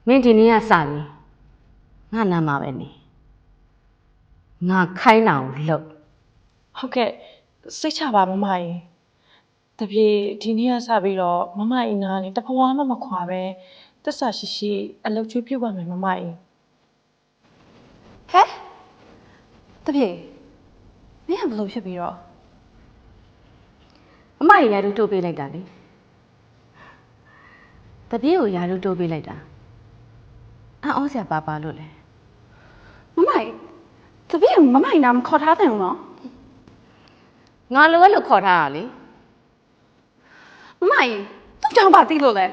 မင်းဒီနေ့ကစပြီငါနာမှာပဲနေငါခိုင်းတာကိုလုပ်ဟုတ်ကဲ့စိတ်ချပါမမကြီးတပြေဒီနေ့ကစပြီးတော့မမကြီးနားနေတဖွာမှမခွာပဲတစ္ဆာရှိရှိအလုပ်ကျွေးပြုတ်ပါမယ်မမကြီးဟဲ့တပြေမင်းကဘလို့ဖြစ်ပြီးတော့အမရာထူးတိုးပေးလိုက်တာလေတပြေးကိုရာထူးတိုးပေးလိုက်တာအံ့ဩစရာပါလို့လဲမမကြီးတပြေမမကြီးနားမခေါ်ထားတယ်နော်ငါလိုပဲလို့ခေါ်ထားတာလေမမကြီးသူ့ကြောင့်ပါသိလို့လဲ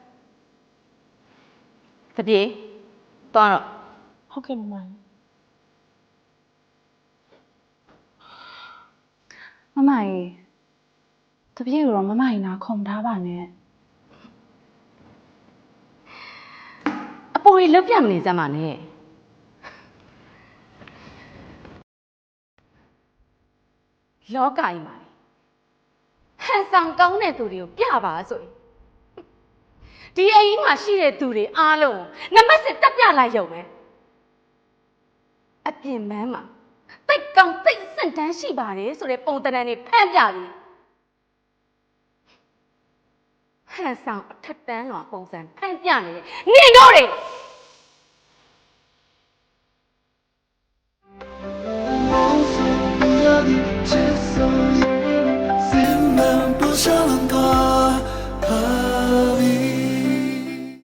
တပြေးသွားတော့ဟုတ်ကဲ့မမကြီးမမကြီးတပြေကိုတော့မမကြီးနားခေါ်မထားပါနဲ့အပေါ်ကြီးလွတ်ပြမနေစမ်းပါနဲ့လောကကြီးမှာဟန်ဆောင်ကောင်းတဲ့သူတွေကိုပြပါဆိုရင်ဒီအိမ်မှာရှိတဲ့သူတွေအားလုံးနမစစ်တက်ပြလိုက်ရုံပဲအပြင်မန်းမှာတိတ်ကောင်တိတ်စန့်တန်းရှိပါတယ်ဆိုတဲ့ပုံသဏ္ဍာန်တွေဖန်ပြပြီးဟန်ဆောင်အထက်တန်းတော်ပုံစံဖန်ပြနေတယ်နင်တို့တွေ